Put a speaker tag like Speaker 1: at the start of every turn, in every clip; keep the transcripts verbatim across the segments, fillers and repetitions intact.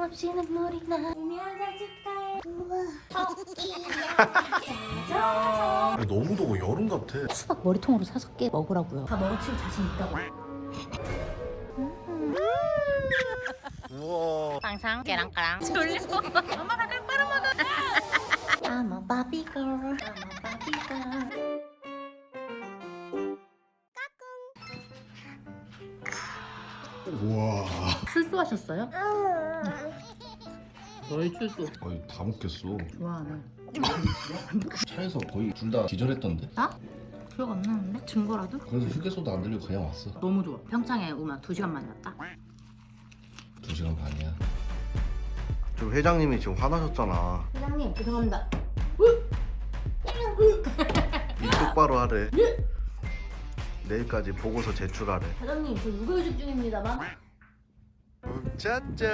Speaker 1: 하염없이 눈물이 나. 우미 한살 축하해. 우와 토끼야.
Speaker 2: 너무 더워. 여름 같아.
Speaker 1: 수박 머리통으로 사서 깨 먹으라고요. 다 먹어치울 자신 있다고.
Speaker 2: 우와.
Speaker 1: 항상 깨랑까랑 졸려. 엄마가 잘 빨아먹어. I'm a Barbie girl. I'm a Barbie girl.
Speaker 2: 우와.
Speaker 1: 출소하셨어요? 거의 출소.
Speaker 2: 아니 다 먹겠어.
Speaker 1: 좋아하네.
Speaker 2: 차에서 거의 둘 다 기절했던데.
Speaker 1: 나? 기억 안 나는데? 증거라도?
Speaker 2: 그래서 휴게소도 안 들리고 그냥 왔어.
Speaker 1: 너무 좋아. 평창에 오면 두 시간 만에 왔다.
Speaker 2: 두 시간 반이야. 저 회장님이 지금 화나셨잖아.
Speaker 1: 회장님 죄송합니다.
Speaker 2: 이 똑바로 하래. 내일까지 보고서 제출하래.
Speaker 1: 사장님 저 육아휴직 중입니다만.
Speaker 2: 짜잔.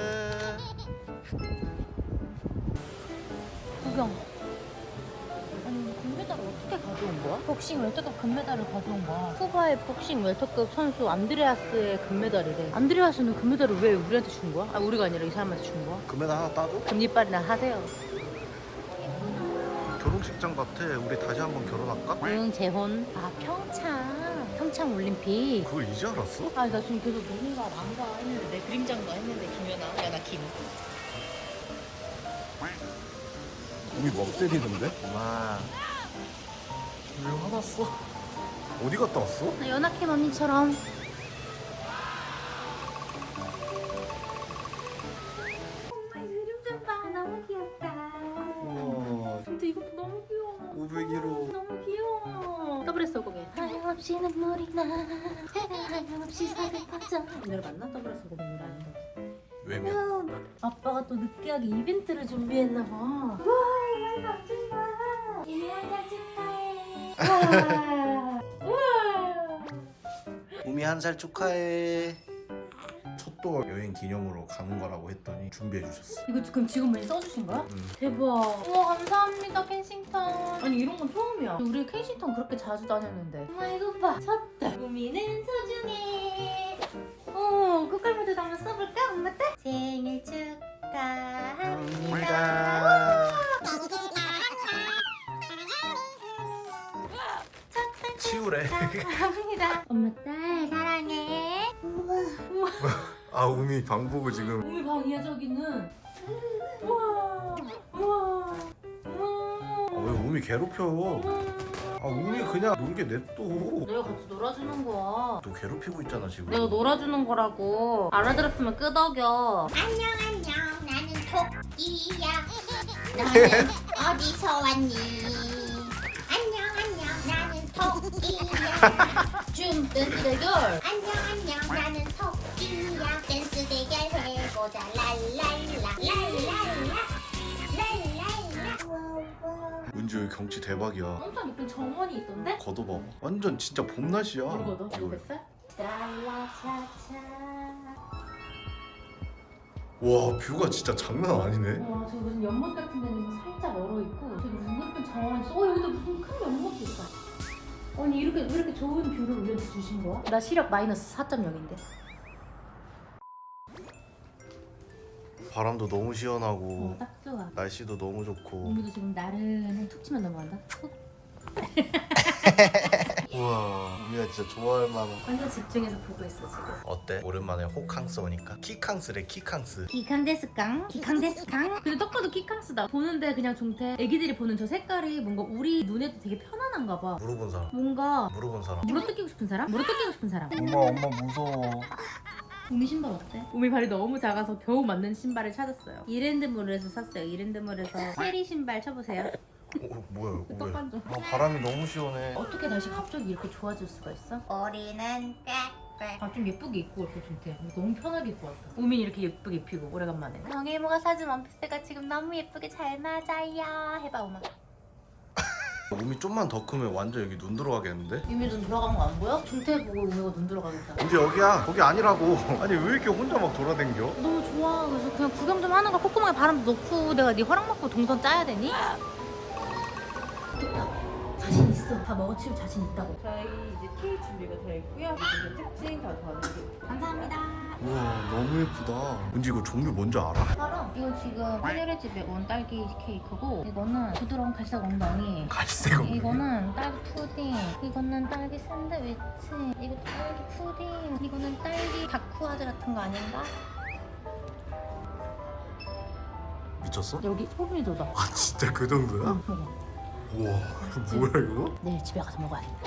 Speaker 1: 구경. 아니 금메달을 어떻게 가져온 거야? 복싱 웰터급 금메달을 가져온 거야. 쿠바의 복싱 웰터급 선수 안드레아스의 금메달이래. 안드레아스는 금메달을 왜 우리한테 준 거야? 아 우리가 아니라 이 사람한테 준 거야?
Speaker 2: 금메달 하나 따줘?
Speaker 1: 금리빨이나 하세요.
Speaker 2: 결혼식장 같아. 우리 다시 한번 결혼할까?
Speaker 1: 응 재혼. 아 평창. 평창 올림픽.
Speaker 2: 그걸 이제 알았어?
Speaker 1: 아 나 지금 계속 누군가 난가 했는데 내 그림장가 했는데 김연아. 야나 김.
Speaker 2: 우리 멍 때리던데? 엄마. 왜 화났어? 어디 갔다 왔어?
Speaker 1: 나 연하캠 언니처럼. 엄마 이름 좀 봐. 너무 귀엽다.
Speaker 2: 우와.
Speaker 1: 근데 이것도 너무 귀여워.
Speaker 2: 오백 일 호.
Speaker 1: 너무 귀여워. 더블에스 고개. 하염없이 눈물이 나. 하염없이 살을 빠져. 오늘 맞나? 더블에스 고개 노래 아닌가?
Speaker 2: 왜면?
Speaker 1: 아빠가 또 느끼하게 이벤트를 준비했나 봐. 와, 이거 삼촌 봐. 이미 한살 축하해. 와, 와.
Speaker 2: 우미 한 살 축하해. 첫도 여행 기념으로 가는 거라고 했더니 준비해 주셨어.
Speaker 1: 이거 그럼 직원분이 써주신 거야?
Speaker 2: 응.
Speaker 1: 대박. 우와 감사합니다 켄싱턴. 아니 이런 건 처음이야. 우리 켄싱턴 그렇게 자주 다녔는데. 엄마 이거 봐. 쳤다. 우미는 소중해. 어 꽃갈무도 한번 써볼까 엄마 때? 생일 축하합니다.
Speaker 2: 치우래.
Speaker 1: 감사합니다. 엄마 딸 사랑해. 우와. 우와.
Speaker 2: 아 우미 방 보고 지금.
Speaker 1: 우미 방이야 저기는. 우와. 우와. 우와.
Speaker 2: 아, 왜 우미 괴롭혀? 아 우미 그냥 놀게 냅둬.
Speaker 1: 내가 같이 놀아주는 거야.
Speaker 2: 너 괴롭히고 있잖아 지금.
Speaker 1: 내가 놀아주는 거라고. 알아들었으면 끄덕여.
Speaker 3: 안녕 안녕 나는 토끼야 너는 어디서 왔니 안녕 안녕 나는 토끼야
Speaker 1: 춤 댄스 대결.
Speaker 3: 안녕 안녕 나는 토끼야 댄스 대결 해보자 랄랄라 랄랄라 랄랄라 와와
Speaker 2: 은지 여기 경치 대박이야.
Speaker 1: 엄청 예쁜 정원이 있던데?
Speaker 2: 걷어봐. 완전 진짜 봄 날씨야.
Speaker 1: 모르거든?
Speaker 2: 이거.
Speaker 1: 모르겠어? 랄라차차.
Speaker 2: 와 뷰가 진짜 장난 아니네.
Speaker 1: 와 저기 무슨 연못 같은 데는 살짝 얼어있고 저기 무슨 예쁜 정원이 있어. 어 여기도 무슨 큰 연못도 있어. 아니 이렇게 왜 이렇게 좋은 뷰를 우리한테 주신 거야? 나 시력 마이너스 사 점 영인데.
Speaker 2: 바람도 너무 시원하고
Speaker 1: 어, 딱 좋아.
Speaker 2: 날씨도 너무 좋고.
Speaker 1: 우미도 지금 나른한 툭 치면 넘어간다. 툭.
Speaker 2: 우와 우미가 진짜 좋아할 만한.
Speaker 1: 완전 집중해서 보고 있어 지금.
Speaker 2: 어때? 오랜만에 호캉스 오니까. 키캉스래 키캉스.
Speaker 1: 기캉데스깡? 기캉데스깡? 근데 딱 봐도 기캉스다. 보는데 그냥 종태 애기들이 보는 저 색깔이 뭔가 우리 눈에도 되게 편안한가 봐.
Speaker 2: 물어본 사람.
Speaker 1: 뭔가
Speaker 2: 물어본 사람.
Speaker 1: 물어뜯기고 싶은 사람? 물어뜯기고 싶은 사람.
Speaker 2: 엄마 엄마 무서워.
Speaker 1: 우미 신발 어때? 우미 발이 너무 작아서 겨우 맞는 신발을 찾았어요. 이랜드몰에서 샀어요. 이랜드몰에서 체리 신발 쳐보세요.
Speaker 2: 어, 뭐야 이거 왜?
Speaker 1: 떡반죠.
Speaker 2: 아, 바람이 너무 시원해.
Speaker 1: 어떻게 다시 갑자기 이렇게 좋아질 수가 있어?
Speaker 3: 우리는 꽥꽥
Speaker 1: 아 좀 예쁘게 입고 올게 종태. 너무 편하게 입고 왔다. 우민 이렇게 예쁘게 입히고 오래간만에. 정혜모가 사준 원피스가 지금 너무 예쁘게 잘 맞아요. 해봐 엄마.
Speaker 2: 우미 좀만 더 크면 완전 여기 눈 들어가겠는데?
Speaker 1: 유미 눈 들어간 거 안 보여? 종태 보고 우미가 눈 들어가겠다.
Speaker 2: 이제 여기야. 거기 아니라고. 아니 왜 이렇게 혼자 막 돌아댕겨?
Speaker 1: 너무 좋아. 그래서 그냥 구경 좀 하는 거 콧구멍에 바람도 넣고 내가 네 허락 받고 동선 짜야 되니? 됐다. 자신 있어? 됐어. 다 먹어치울 자신 있다고.
Speaker 4: 저희 이제 케이크 준비가 되어 있고요. 이제 특징 다 봐드릴게요.
Speaker 1: 감사합니다.
Speaker 2: 우와 너무 예쁘다. 은지 이거 종류 뭔지 알아?
Speaker 1: 바로 이거 지금 하늘의 집에 온 딸기 케이크고 이거는 부드러운 갈색 엉덩이.
Speaker 2: 갈색 엉덩이.
Speaker 1: 이거는 딸기 푸딩, 이거는 딸기 샌드위치, 이거 딸기 푸딩, 이거는 딸기 다쿠아즈 같은 거 아닌가?
Speaker 2: 미쳤어?
Speaker 1: 여기 소금이 돋아.
Speaker 2: 아 진짜 그 정도야?
Speaker 1: 응, 먹어.
Speaker 2: 우와 뭐야 이거?
Speaker 1: 내일 집에 가서 먹어야겠다.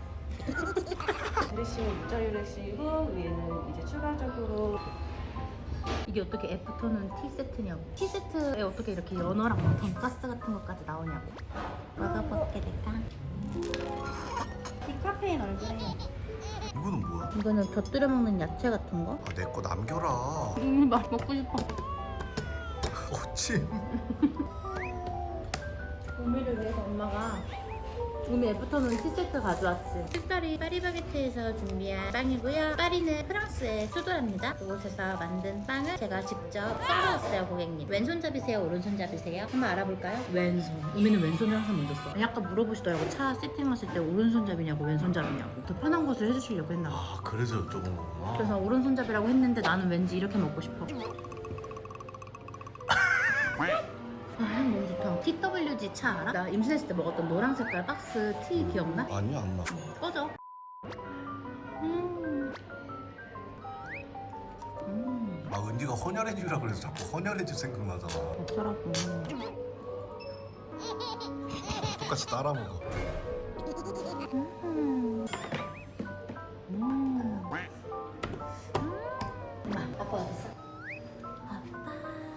Speaker 4: 드레싱은 육절유 드레싱이고 위에는 이제 추가적으로
Speaker 1: 이게 어떻게 애프터눈 티 세트냐고. 티 세트에 어떻게 이렇게 연어랑 막 돈가스 같은 것까지 나오냐고. 먹어볼게 될까?
Speaker 4: 디카페인 얼그레이.
Speaker 2: 이거는 뭐야?
Speaker 1: 이거는 곁들여 먹는 야채 같은 거?
Speaker 2: 아 내 거 남겨라.
Speaker 1: 음, 맛 먹고 싶어.
Speaker 2: 어치.
Speaker 1: 우미를 위해서 엄마가 우미 애프터눈 티 세트 가져왔지. 특별히 파리바게트에서 준비한 빵이고요. 파리는 프랑스의 수도랍니다. 그곳에서 만든 빵을 제가 직접 썰어왔어요, 고객님. 왼손잡이세요, 오른손잡이세요? 한번 알아볼까요? 왼손. 우미는 왼손을 항상 먼저 써. 아까 물어보시더라고. 차 세팅하실 때 오른손잡이냐고 왼손잡이냐고. 더 편한 것을 해주시려고 했나 봐.
Speaker 2: 아 그래서 여쭤본 거구나.
Speaker 1: 그래서 오른손잡이라고 했는데 나는 왠지 이렇게 먹고 싶어. 아, 향 너무 좋다. 티 더블유 지 차 알아? 나 임신했을 때 먹었던 노란 색깔 박스 티 기억나?
Speaker 2: 아니 안 나.
Speaker 1: 꺼져. 음. 음.
Speaker 2: 아 은지가 헌혈해주라 그래서 자꾸 헌혈해주 생각나잖아.
Speaker 1: 어쩌라고.
Speaker 2: 똑같이 따라 먹어.
Speaker 1: 음. 음. 엄마, 아빠 어디 있어? 아빠.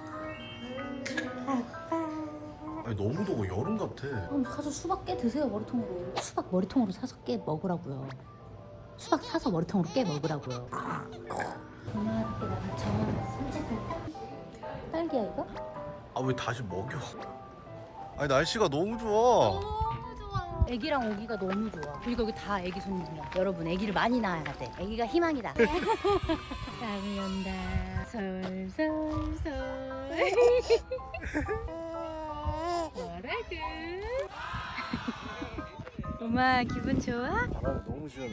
Speaker 1: 아빠.
Speaker 2: 아니 너무 더워 여름 같아.
Speaker 1: 그럼 가서 수박 깨 드세요, 머리통으로. 수박 머리통으로 사서 깨 먹으라고요. 수박 사서 머리통으로 깨 먹으라고요. 엄마 함께 나랑 정원에서 산책할까? 딸기야 이거?
Speaker 2: 아 왜 다시 먹여? 아니 날씨가 너무 좋아.
Speaker 1: 너무 좋아. 애기랑 오기가 너무 좋아. 그리고 여기 다 애기 손님이야. 여러분 애기를 많이 낳아야 돼. 애기가 희망이다. 땀이 온다. 솔솔솔. 뭐라고? 엄마 기분 좋아?
Speaker 2: 바람이 너무 시원해.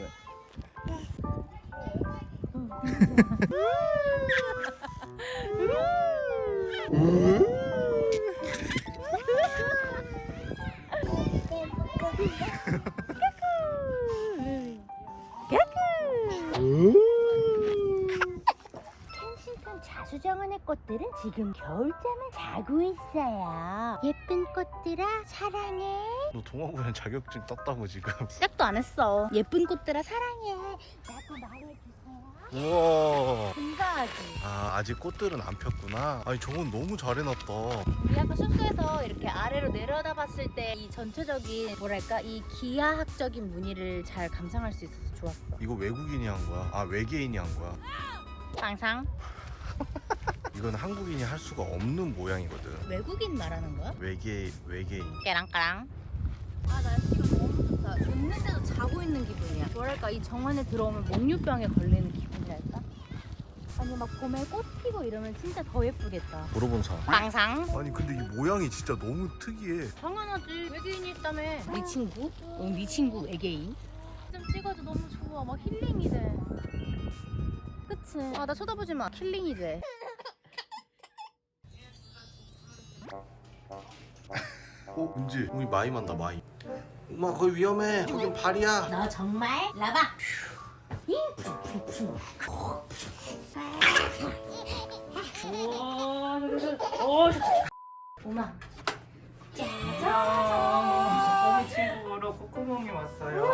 Speaker 3: 켄싱턴 자수정원의 꽃들은 지금 겨울잠을 자고 있어요. 예쁜 꽃들아 사랑해.
Speaker 2: 너 동화구연 자격증 땄다고 지금.
Speaker 1: 시작도 안 했어. 예쁜 꽃들아
Speaker 3: 사랑해. 나도 말해주세요.
Speaker 2: 우와.
Speaker 1: 감사하지.
Speaker 2: 아 아직 꽃들은 안 폈구나. 아니 저건 너무 잘 해놨다.
Speaker 1: 우리 아까 숙소에서 이렇게 아래로 내려다봤을 때 이 전체적인 뭐랄까 이 기하학적인 무늬를 잘 감상할 수 있어서 좋았어.
Speaker 2: 이거 외국인이 한 거야? 아 외계인이 한 거야?
Speaker 1: 항상
Speaker 2: 이건 한국인이 할 수가 없는 모양이거든.
Speaker 1: 외국인 말하는 거야?
Speaker 2: 외계 외계인.
Speaker 1: 깨랑까랑. 아 날씨가 너무 좋다. 잤는데도 자고 있는 기분이야. 뭐랄까 이 정원에 들어오면 목류병에 걸리는 기분이랄까? 아니 막 봄에 꽃 피고 이러면 진짜 더 예쁘겠다.
Speaker 2: 물어본 사람.
Speaker 1: 항상.
Speaker 2: 아니 근데 이 모양이 진짜 너무 특이해.
Speaker 1: 당연하지. 외계인이 있다며. 네 친구? 응, 네 친구 외계인. 좀 찍어도 너무 좋아. 막 힐링이 돼. 그치? 아 나 쳐다보지 마. 힐링이 돼.
Speaker 2: 어 은지 우리 마이 만다 마이. 엄마 거기 위험해. 거긴 발이야.
Speaker 3: 너 정말 라바.
Speaker 1: 오마.
Speaker 4: 우리 친구로 코코몽이 왔어요.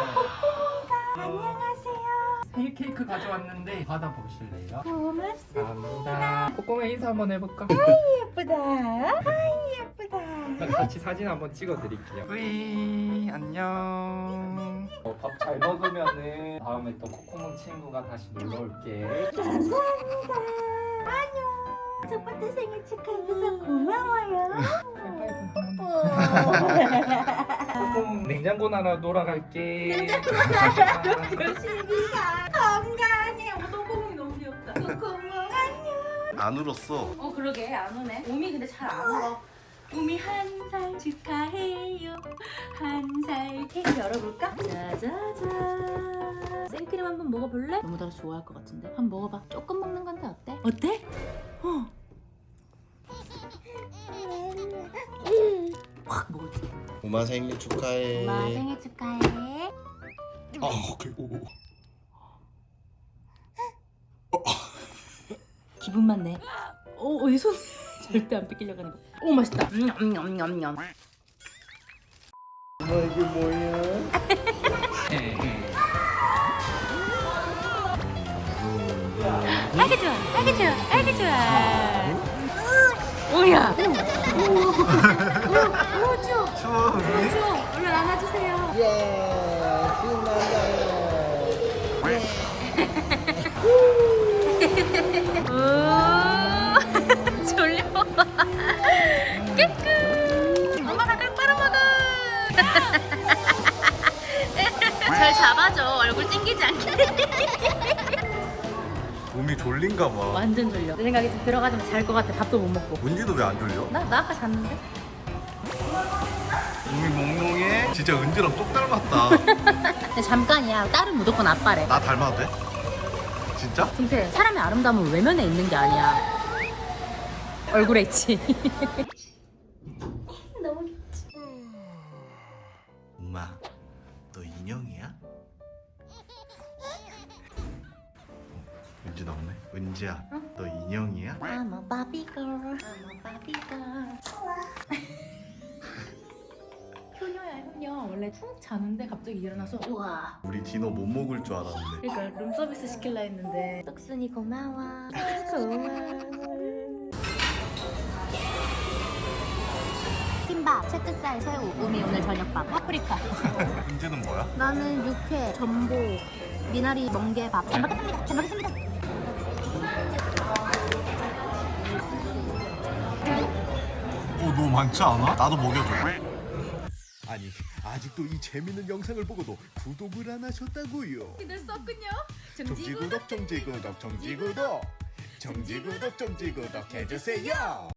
Speaker 3: 안녕하세요.
Speaker 4: 생일 케이크 가져왔는데 받아보실래요?
Speaker 3: 고맙습니다.
Speaker 4: 감사합니다. 코코몽 인사 한번 해볼까?
Speaker 3: 예쁘다. 아이 예쁘다.
Speaker 4: 같이 사진 한번 찍어드릴게요. 뿌이 안녕. 어, 밥 잘 먹으면은 다음에 또 코코몽 친구가 다시 놀러 올게.
Speaker 3: 감사합니다. 안녕. 첫 번째 생일 축하해줘서 고마워요.
Speaker 4: 코코몽 냉장고 나라 놀아갈게.
Speaker 3: 열심히 가. 건강해.
Speaker 1: 오동공이 너무 귀엽다.
Speaker 3: 고마워. 안녕.
Speaker 2: 안 울었어.
Speaker 1: 어 그러게 안 오네. 몸이 근데 잘 안 울어. 우미 한 살 축하해요. 한 살 케이크 열어볼까? 짜자잔. 생크림 한번 먹어볼래? 너무 달아서 좋아할 것 같은데. 한번 먹어봐. 조금 먹는 건데 어때? 어때? 어. 확 먹을게.
Speaker 2: 엄마 생일 축하해.
Speaker 1: 엄마 생일 축하해.
Speaker 2: 아, 오케이. 오, 오.
Speaker 1: 기분만 내. 오, 이 손 절대 안 뺏기려고 하는 거. 오, 맛있다. 냠냠냠냠.
Speaker 2: 엄마 이게 뭐야?
Speaker 1: 아이고 좋아, 아이고 좋아, 아이고 좋아. 오야. 오, 오, 오, 추워.
Speaker 2: 추워.
Speaker 1: 추워. 얼른 안아주세요.
Speaker 2: 예, 신난다.
Speaker 1: 오, 졸려. 깨끗. 엄마가 꿀 빨아먹어. 잘 잡아줘. 얼굴 찡기지 않게.
Speaker 2: 몸이 졸린가 봐.
Speaker 1: 완전 졸려. 내 생각에 좀 들어가자면 잘 것 같아. 밥도 못 먹고.
Speaker 2: 은지도 왜 안 졸려?
Speaker 1: 나, 나 아까 잤는데?
Speaker 2: 몸이 몽롱해. 진짜 은지랑 똑 닮았다.
Speaker 1: 근데 잠깐이야. 딸은 무조건 아빠래.
Speaker 2: 나 닮아도 돼? 진짜?
Speaker 1: 근데 사람의 아름다움은 외면에 있는 게 아니야. 얼굴에 있지. 너무 귀엽지.
Speaker 2: 엄마, 너 인형이야? 은지 나오네. 은지야,
Speaker 1: 응?
Speaker 2: 너 인형이야?
Speaker 1: I'm a Barbie girl. I'm a Barbie girl. 효녀야 효녀. 원래 푹 자는데 갑자기 일어나서 우와.
Speaker 2: 우리 디노 못 먹을 줄 알았는데.
Speaker 1: 그러니까 룸서비스 시킬라 했는데 떡순이 고마워. 고마워. 김밥, 채끝살, 새우, 우미 오늘 저녁밥, 파프리카.
Speaker 2: 은지는 뭐야?
Speaker 1: 나는 육회, 전복, 미나리, 멍게밥. 잘 먹겠습니다. 잘 먹겠습니다.
Speaker 2: 오, 너무 많지 않아? 나도 먹여줘. 아니, 아직도 이 재밌는 영상을 보고도 구독을 안 하셨다고요?
Speaker 1: 기대했었군요.
Speaker 2: 정지구독, 정지구독, 정지구독, 정지구독, 정지구독 해주세요.